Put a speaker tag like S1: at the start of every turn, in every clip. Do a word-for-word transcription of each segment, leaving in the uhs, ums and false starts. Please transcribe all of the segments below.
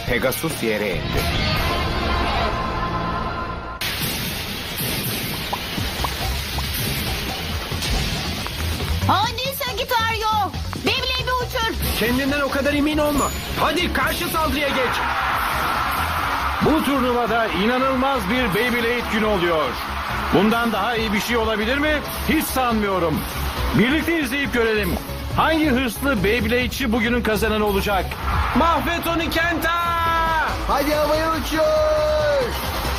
S1: Pegasus yere indi.
S2: Hadi Sagittario. Beyblade'i uçur.
S3: Kendinden o kadar emin olma. Hadi karşı saldırıya geç.
S4: Bu turnuvada inanılmaz bir Beyblade günü oluyor. Bundan daha iyi bir şey olabilir mi? Hiç sanmıyorum. Birlikte izleyip görelim. Hangi hırslı Beyblade'çi bugünün kazananı olacak?
S3: Mahvet onu Kenta!
S5: Hadi havaya uçuyor.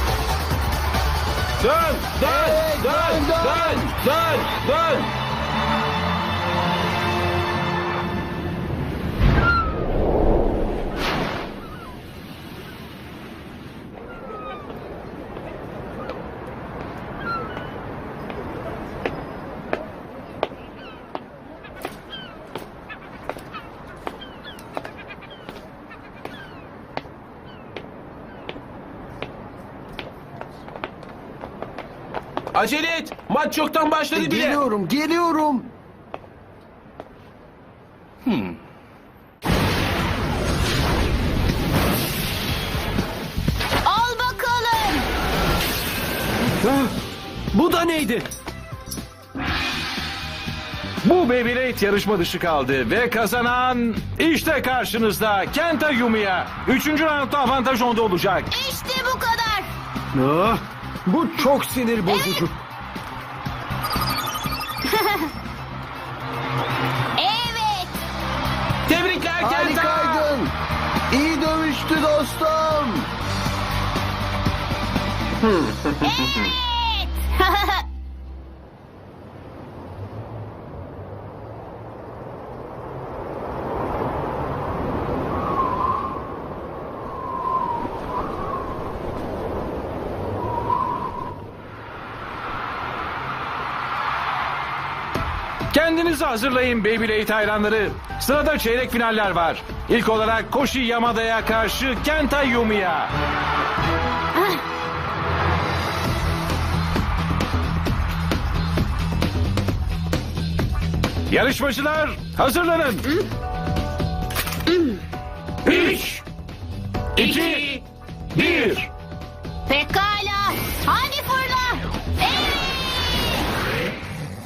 S3: Dön, dön,
S5: Evet,
S3: dön,
S5: dön,
S3: dön, dön, dön. Acele et. Maç çoktan başladı bile.
S5: Geliyorum, geliyorum.
S2: Al bakalım.
S3: Ah, bu da neydi?
S4: Bu Beyblade yarışma dışı kaldı ve kazanan işte karşınızda Kenta Yumiya. Üçüncü roundda avantaj onda olacak.
S2: İşte bu kadar.
S3: Ah, bu çok sinir bozucu.
S2: Evet.
S3: Tebrikler Kenta.
S5: Harikaydın. İyi dövüştü dostum.
S2: Evet.
S4: Kendinizi hazırlayın Beyblade hayranları. Sırada çeyrek finaller var. İlk olarak Koshi Yamada'ya karşı Kenta Yumiya. Yarışmacılar hazırlanın. Üç, iki, bir.
S2: Pekala. Hadi fırla. Evet.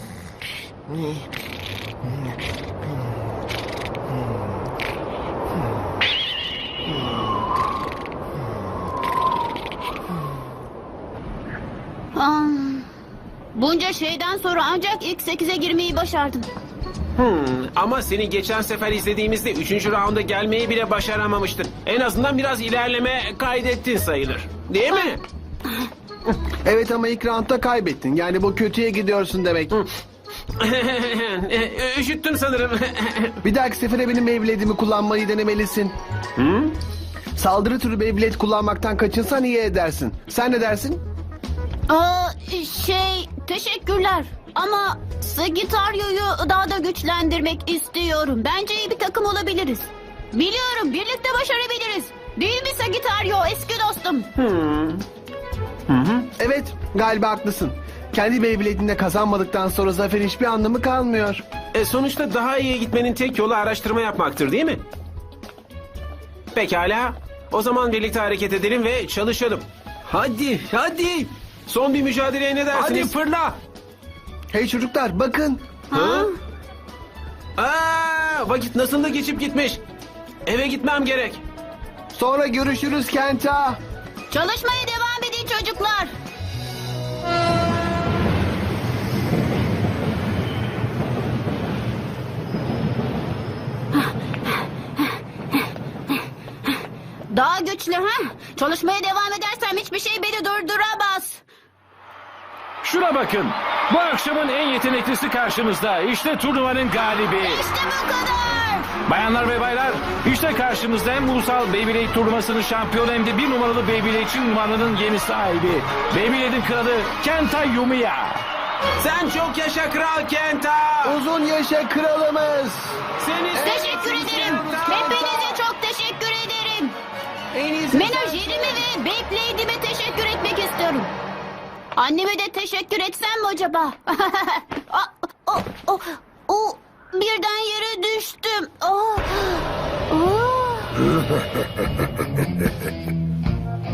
S2: Ah, bunca şeyden sonra ancak ilk sekize girmeyi başardım.
S3: Hmm, ama seni geçen sefer izlediğimizde üçüncü raunda gelmeyi bile başaramamıştın. En azından biraz ilerleme kaydettin sayılır. Değil mi?
S5: Evet ama ilk roundda kaybettin. Yani bu kötüye gidiyorsun demek.
S3: Üşüttüm sanırım.
S5: Bir dahaki sefere benim Beyblade'imi kullanmayı denemelisin. Saldırı türü Beyblade kullanmaktan kaçınsan iyi edersin. Sen ne dersin?
S2: Aa, şey, teşekkürler. Ama Sagittario'yu daha da güçlendirmek istiyorum. Bence iyi bir takım olabiliriz. Biliyorum, birlikte başarabiliriz. Değil mi Sagittario, eski dostum?
S5: Evet, galiba haklısın. Kendi Beyblade'inde kazanmadıktan sonra zaferin hiçbir anlamı kalmıyor.
S3: E, sonuçta daha iyiye gitmenin tek yolu araştırma yapmaktır değil mi? Pekala. O zaman birlikte hareket edelim ve çalışalım. Hadi, hadi. Son bir mücadeleye ne dersiniz? Hadi fırla.
S5: Hey çocuklar bakın.
S3: Ha? Aa, vakit nasıl da geçip gitmiş. Eve gitmem gerek.
S5: Sonra görüşürüz Kenta.
S2: Çalışmaya devam edin çocuklar. Daha güçlü ha? Çalışmaya devam edersem hiçbir şey beni durduramaz.
S4: Şuna bakın. Bu akşamın en yeteneklisi karşınızda. İşte turnuvanın galibi.
S2: İşte bu kadar.
S4: Bayanlar ve baylar, işte karşınızda hem ulusal Beyblade turnuvasının şampiyonu hem de bir numaralı Beyblade'çi ünvanının yeni sahibi. Beyblade'in kralı Kenta Yumiya.
S3: Sen çok yaşa Kral Kenta.
S5: Uzun yaşa kralımız.
S3: Seni
S2: Teşekkür ederim. Hepinize çok teşekkür ederim.
S5: En iyisi
S2: Menajerime ve Beyblade'ime teşekkür etmek istiyorum. Anneme de teşekkür etsem mi acaba? Ah, o, o, o, birden yere düştüm. Ah, ah.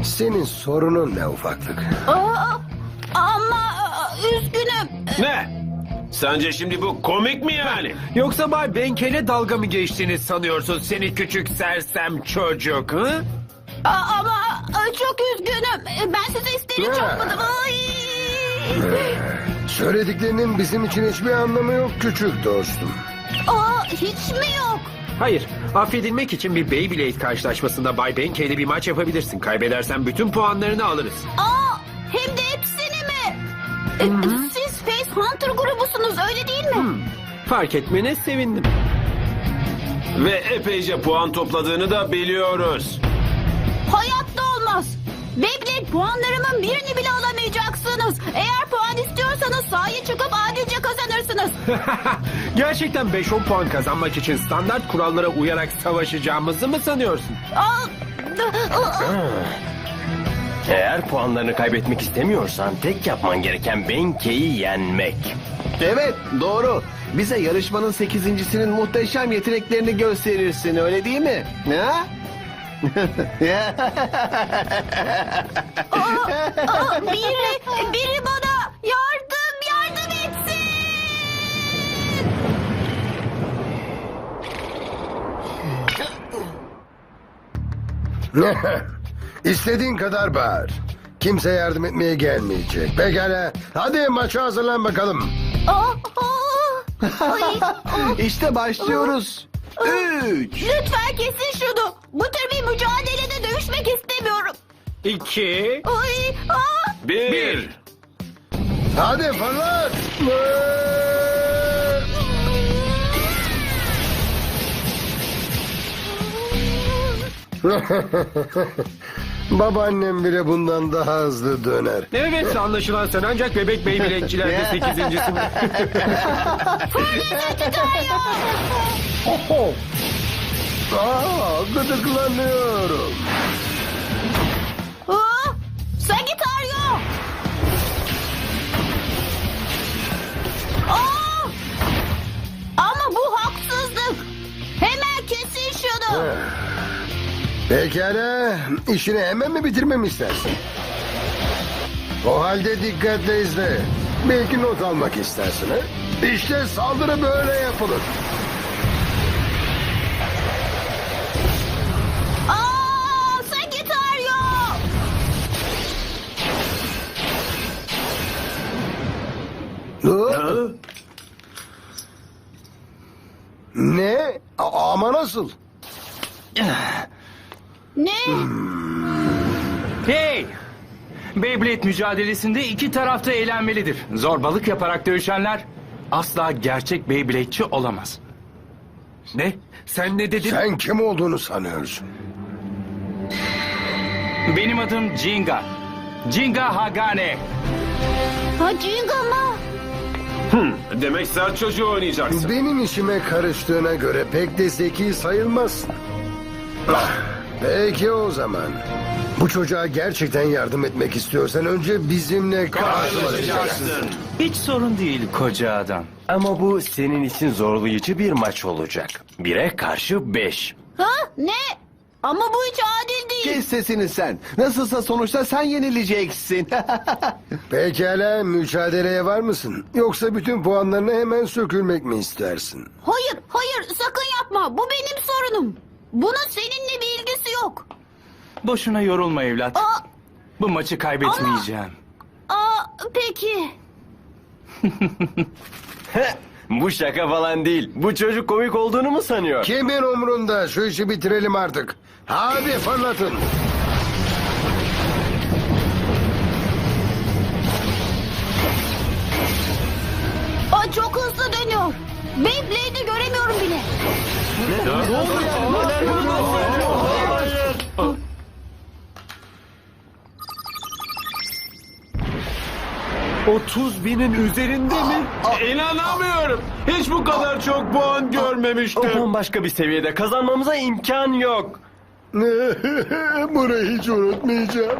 S1: Senin sorunun ne ufaklık?
S2: Aa, ama aa, üzgünüm.
S3: Ne? Sence şimdi bu komik mi yani?
S6: Yoksa Bay Benkel'e dalga mı geçtiğini sanıyorsun seni küçük sersem çocuk? Hı?
S2: Aa, ama aa, çok üzgünüm. Ben size isteyerek
S1: Ne?
S2: yapmadım. Ay.
S1: Söylediklerinin bizim için hiçbir anlamı yok küçük dostum.
S2: Aa, hiç mi yok?
S6: Hayır, affedilmek için bir Beyblade karşılaşmasında Bay Benkel'le bir maç yapabilirsin. Kaybedersen bütün puanlarını alırız.
S2: Aa, hem de hepsini mi? E, Siz Face Hunter grubusunuz öyle değil mi?
S6: Fark etmene sevindim.
S3: Ve epeyce puan topladığını da biliyoruz.
S2: Hayatta olmaz. Beyblade puanlarımın birini bile alamayacaksınız. Eğer puan istiyorsanız sahaya çıkıp adilce kazanırsınız.
S6: Gerçekten beş on puan kazanmak için standart kurallara uyarak savaşacağımızı mı sanıyorsun?
S2: Aa,
S7: Eğer puanlarını kaybetmek istemiyorsan tek yapman gereken Benke'yi yenmek.
S5: Evet, doğru. Bize yarışmanın sekizincisinin muhteşem yeteneklerini gösterirsin, öyle değil mi? Ha?
S2: aa, biri, biri bana yardım, yardım etsin.
S1: İstediğin kadar bağır. Kimse yardım etmeye gelmeyecek. Pekala. Hadi maça hazırlan bakalım.
S2: Aa, aa, ay, aa.
S5: İşte başlıyoruz. Üç.
S2: Lütfen kesin şunu. Bu tür bir mücadelede dövüşmek istemiyorum.
S6: İki,
S2: Ay, aa.
S3: Bir.
S6: bir.
S1: Hadi fırlat. Babaannem bile bundan daha hızlı döner.
S6: Evet, anlaşılan sen ancak bebek Beyblade'çilerde sekizincisin.
S1: Aa, gıdıklanıyorum.
S2: Aa, Sagittario. Aa! Ama bu haksızlık. Hemen kesin şunu.
S1: Pekala. İşini hemen mi bitirmemi istersin? O halde dikkatle izle. Belki not almak istersin. Ha? İşte saldırı böyle yapılır.
S2: Aa, Sagittario.
S1: Hı? Ne? A- ama nasıl?
S2: Ne?
S4: Hey! Beyblade mücadelesinde iki tarafta eğlenmelidir. Zorbalık yaparak dövüşenler asla gerçek Beyblade'çi olamaz.
S6: Ne? Sen ne dedin?
S1: Sen kim olduğunu sanıyorsun?
S4: Benim adım Jinga. Jinga Hagane.
S2: Ha, Jinga mı?
S3: Demek sert çocuğu oynayacaksın.
S1: Benim işime karıştığına göre pek de zeki sayılmazsın. Ah, peki o zaman. Bu çocuğa gerçekten yardım etmek istiyorsan önce bizimle karşılaşacaksın.
S7: Hiç sorun değil koca adam. Ama bu senin için zorlayıcı bir maç olacak. Bire karşı beş.
S2: Ha? Ne? Ama bu hiç adil değil.
S5: Kes sesini sen. Nasılsa sonuçta sen yenileceksin.
S1: Pekala, mücadeleye var mısın? Yoksa bütün puanlarını hemen sökülmek mi istersin?
S2: Hayır, hayır sakın yapma. Bu benim sorunum. Bunun seninle bir ilgisi yok.
S4: Boşuna yorulma evlat.
S2: Aa,
S4: Bu maçı kaybetmeyeceğim.
S2: aa, peki.
S7: Bu şaka falan değil. Bu çocuk komik olduğunu mu sanıyor?
S1: Kimin umrunda? Şu işi bitirelim artık. Hadi fırlatın.
S2: Aa, çok hızlı dönüyor. Beyblade'i göremiyorum bile.
S6: otuz binin üzerinde mi?
S3: İnanamıyorum. Hiç bu kadar çok puan
S7: O
S3: görmemiştim.
S7: bambaşka bir seviyede kazanmamıza imkan yok.
S1: Burayı hiç unutmayacağım.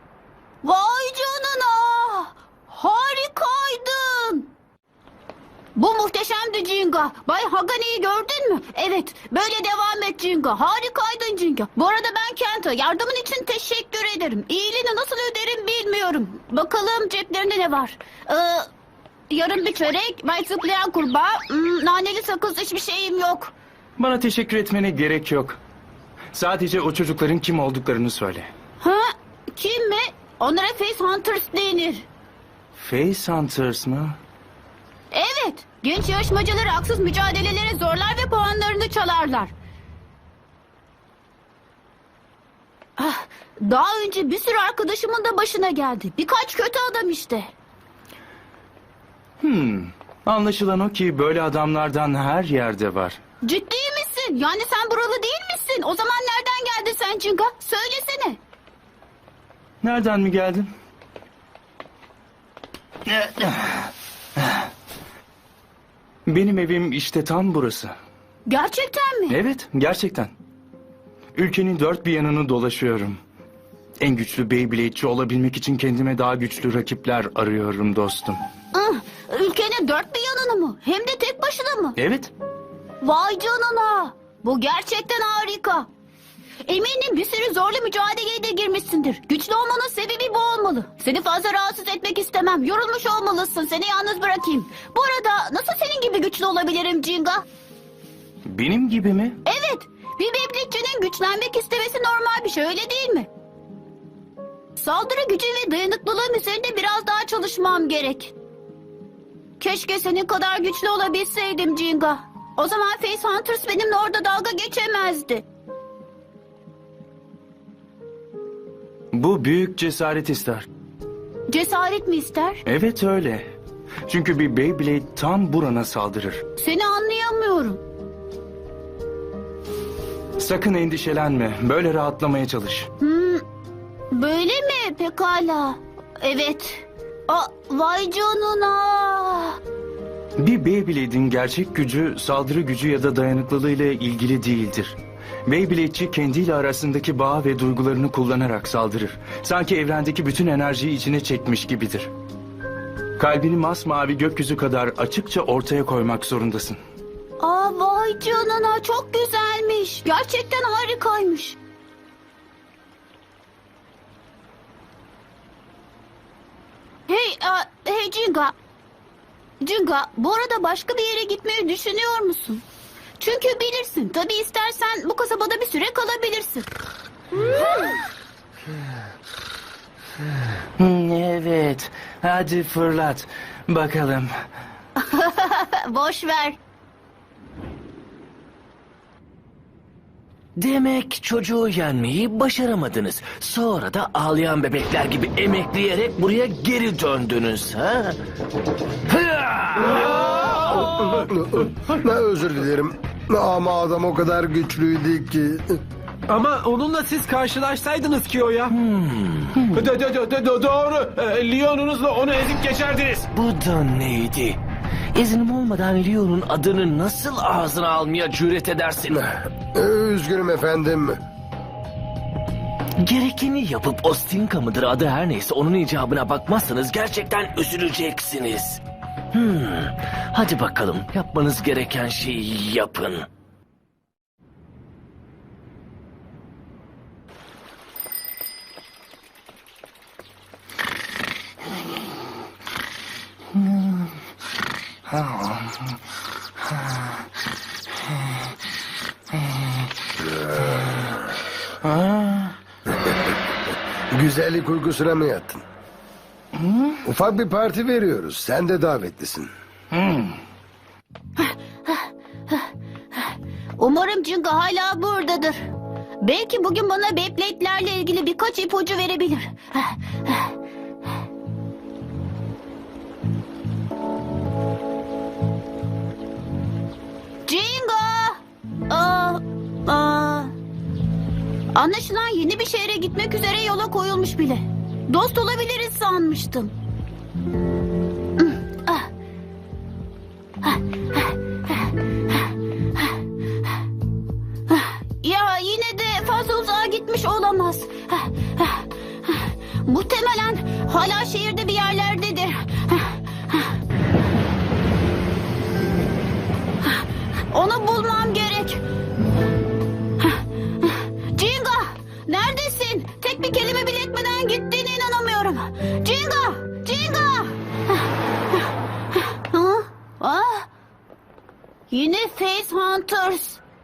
S2: Vay canına. Harikaydın. Bu muhteşemdi Jinga. Bay Hagani'yi gördün mü? Evet. Böyle devam et Jinga. Harikaydın Jinga. Bu arada ben Kenta. Yardımın için teşekkür ederim. İyiliğini nasıl öderim bilmiyorum. Bakalım ceplerinde ne var? Ee, yarım bir çörek, bay zıplayan kurbağa, hmm, naneli sakız, hiçbir şeyim yok.
S4: Bana teşekkür etmene gerek yok. Sadece o çocukların kim olduklarını söyle.
S2: Ha? Kim mi? Onlara Face Hunters denir.
S4: Face Hunters mı?
S2: Evet. Genç yarışmacıları haksız mücadelelere zorlar ve puanlarını çalarlar. Ah, daha önce bir sürü arkadaşımın da başına geldi. Birkaç kötü adam işte.
S4: Hmm. Anlaşılan o ki böyle adamlardan her yerde var.
S2: Ciddi misin? Yani sen buralı değil misin? O zaman nereden geldin sen Jinga? Söylesene.
S4: Nereden mi geldin? Benim evim işte tam burası.
S2: Gerçekten mi?
S4: Evet, gerçekten. Ülkenin dört bir yanını dolaşıyorum. En güçlü Beyblade'ci olabilmek için kendime daha güçlü rakipler arıyorum dostum.
S2: Ah, ülkenin dört bir yanını mı? Hem de tek başına mı?
S4: Evet,
S2: Vay canına. Bu gerçekten harika. Eminim bir sürü zorlu mücadeleye de girmişsindir. Güçlü olmanın sebebi bu olmalı. Seni fazla rahatsız etmek istemem. Yorulmuş olmalısın. Seni yalnız bırakayım. Bu arada nasıl senin gibi güçlü olabilirim Jinga?
S4: benim gibi mi?
S2: Evet. Bir Beyblade'cinin güçlenmek istemesi normal bir şey, öyle değil mi? Saldırı gücü ve dayanıklılığım üzerinde biraz daha çalışmam gerek. Keşke senin kadar güçlü olabilseydim Jinga. O zaman Face Hunters benimle orada dalga geçemezdi.
S4: Bu büyük cesaret ister.
S2: Cesaret mi ister?
S4: Evet öyle. Çünkü bir Beyblade tam burana saldırır.
S2: Seni anlayamıyorum.
S4: Sakın endişelenme. Böyle rahatlamaya çalış.
S2: Hmm, böyle mi? Pekala. Evet. Aa, vay canına.
S4: Bir Beyblade'in gerçek gücü saldırı gücü ya da dayanıklılığı ile ilgili değildir. Beyblade'ci kendiyle arasındaki bağ ve duygularını kullanarak saldırır. Sanki evrendeki bütün enerjiyi içine çekmiş gibidir. Kalbini masmavi gökyüzü kadar açıkça ortaya koymak zorundasın.
S2: Aa, vay canına, çok güzelmiş. Gerçekten harikaymış. Hey, a, hey Jinga. Jinga, bu arada başka bir yere gitmeyi düşünüyor musun? Çünkü bilirsin, tabii istersen bu kasabada bir süre kalabilirsin.
S7: Evet. Hadi fırlat. Bakalım.
S2: Boş ver.
S7: Demek çocuğu yenmeyi başaramadınız. Sonra da ağlayan bebekler gibi emekleyerek buraya geri döndünüz ha?
S1: Ne özür dilerim. Ama adam o kadar güçlüydü ki.
S3: Ama onunla siz karşılaşsaydınız ki o ya. Hmm. Do, do, do, do, doğru. Ee, Leon'unuzla onu ezip geçerdiniz.
S7: Bu da neydi? İznim olmadan Leon'un adını nasıl ağzına almaya cüret edersin?
S1: Üzgünüm efendim.
S7: Gerekeni yapıp Ostinka mıdır adı her neyse onun icabına bakmazsanız gerçekten üzüleceksiniz. Hmm. Hadi bakalım yapmanız gereken şeyi yapın.
S1: Güzellik uykusuna mı yattın? Ufak bir parti veriyoruz. Sen de davetlisin.
S2: Umarım Jinga hala buradadır. Belki bugün bana Beyblade'lerle ilgili birkaç ipucu verebilir. Jinga! Aa, aa. Anlaşılan yeni bir şehre gitmek üzere yola koyulmuş bile. Dost olabiliriz sanmıştım. Ya yine de fazla uzağa gitmiş olamaz. Muhtemelen hala şehirde bir yerlerdedir. Onu bulmam gerek. Jinga, neredesin? Tek bir kelime bile etmeden gittiğine inanamıyorum. Jinga, Jinga. Ha? Ah. Yine Face Hunters.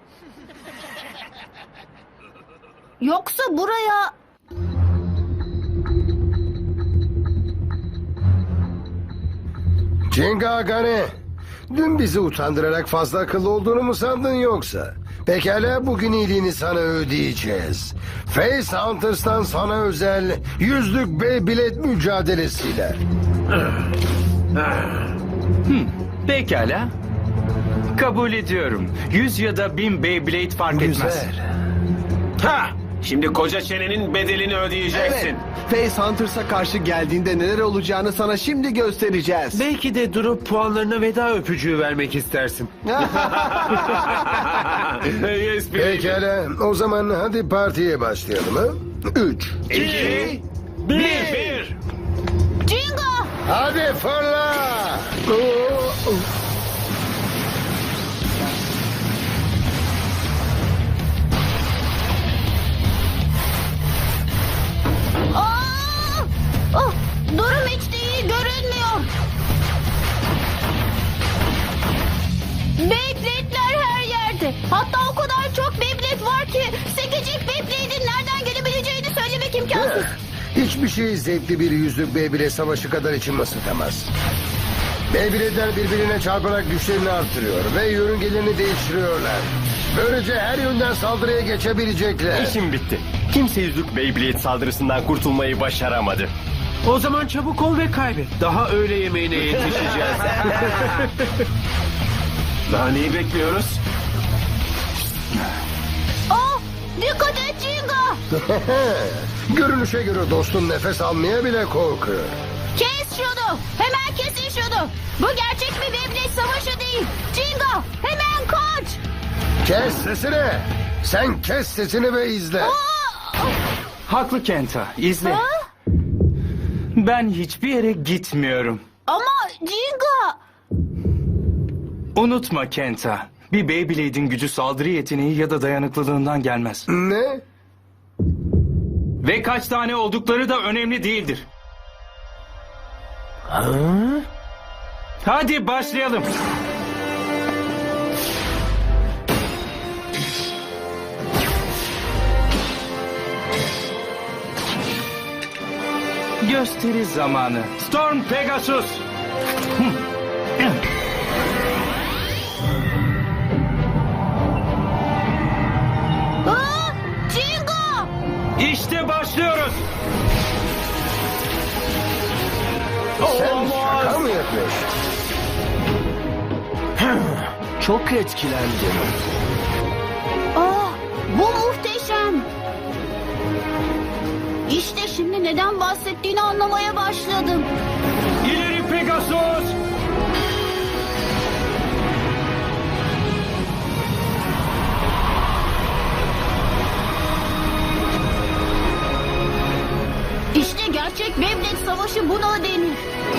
S2: Yoksa buraya...
S1: Jenga Agane, dün bizi utandırarak fazla akıllı olduğunu mu sandın yoksa? Pekala, bugün iyiliğini sana ödeyeceğiz. Face Hunters'tan sana özel yüzlük Beyblade mücadelesiyle.
S8: Pekala. Kabul ediyorum. Yüz ya da bin Beyblade fark etmez.
S1: Güzel.
S3: Ha! Şimdi koca çenenin bedelini ödeyeceksin.
S5: Evet. Face Hunters'a karşı geldiğinde neler olacağını sana şimdi göstereceğiz.
S6: Belki de durup puanlarına veda öpücüğü vermek istersin.
S3: Yes, baby.
S1: Pekala, o zaman hadi partiye başlayalım ha? Üç.
S3: İki, bir. bir.
S2: Jinga!
S1: Hadi fırla! Oo, oo.
S2: Aa! Oh, durum hiç de iyi görünmüyor. Beyblade'ler her yerde. Hatta o kadar çok Beyblade var ki sekecik Beyblade'in nereden gelebileceğini söylemek imkansız.
S1: Hiçbir şey zevkli bir yüzlük Beyblade savaşı kadar içimi ısıtamaz. Beyblade'ler birbirine çarparak güçlerini artırıyor ve yörüngelerini değiştiriyorlar. Böylece her yönden saldırıya geçebilecekler.
S9: İşim bitti. Kimse yüzlük Beyblade saldırısından kurtulmayı başaramadı.
S6: O zaman çabuk ol ve kaybet. Daha öğle yemeğine yetişeceğiz.
S3: Daha neyi bekliyoruz?
S2: Oh, dikkat et Jinga!
S1: Görünüşe göre dostun nefes almaya bile korkuyor.
S2: Kes şunu! Hemen kesin şunu! Bu gerçek bir Beyblade savaşı değil. Jinga, hemen kaç!
S1: Kes sesini! Sen kes sesini ve izle.
S2: Aa!
S8: Haklı Kenta. İzle.
S2: Ha?
S8: Ben hiçbir yere gitmiyorum.
S2: Ama Jinga...
S8: Unutma Kenta. Bir Beyblade'in gücü saldırı yeteneği ya da dayanıklılığından gelmez.
S1: Ne?
S8: Ve kaç tane oldukları da önemli değildir.
S7: Ha?
S8: Hadi başlayalım. Gösteri zamanı. Storm Pegasus.
S2: Aa! Jinga!
S8: İşte başlıyoruz.
S1: Sen şaka mı yapıyorsun?
S7: Çok etkilendim.
S2: Aa, bu muhteşem. İşte şimdi neden bahsettiğini anlamaya başladım.
S8: İleri Pegasus.
S2: İşte gerçek Beyblade savaşı buna denir.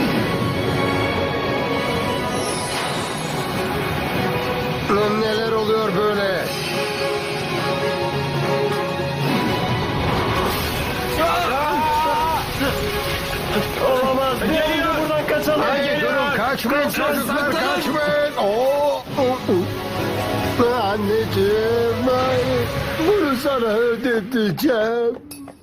S1: Neler oluyor böyle?
S9: Olamaz. Gelin buradan kaçalım.
S1: Hayır durun, kaçmayın çocuklar, kaçmayın. Oo, oo, oo. Anneciğim, hayır. Bunu sana ödeteceğim.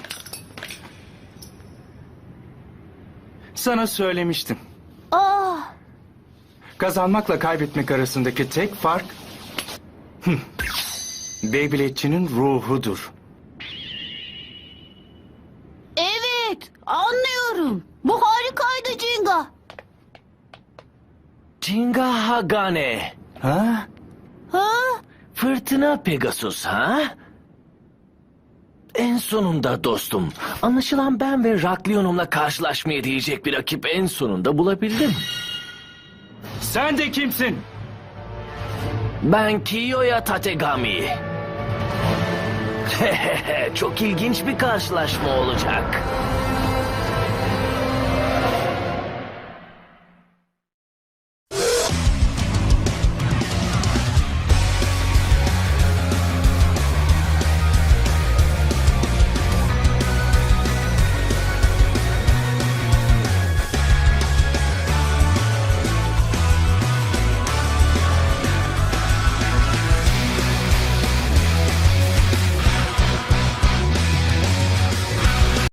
S8: Sana söylemiştim.
S2: Aa,
S8: Kazanmakla kaybetmek arasındaki tek fark... Hıh, Beyblade'çinin ruhudur.
S2: evet, anlıyorum. Bu harikaydı Jinga.
S7: Jinga Hagane.
S8: Ha?
S2: Ha?
S7: Fırtına Pegasus ha? En sonunda dostum. Anlaşılan ben ve Raklionum'la karşılaşmaya değecek bir rakip en sonunda bulabildim.
S8: Sen de kimsin?
S7: Ben Kiyoya Tategami. Çok ilginç bir karşılaşma olacak.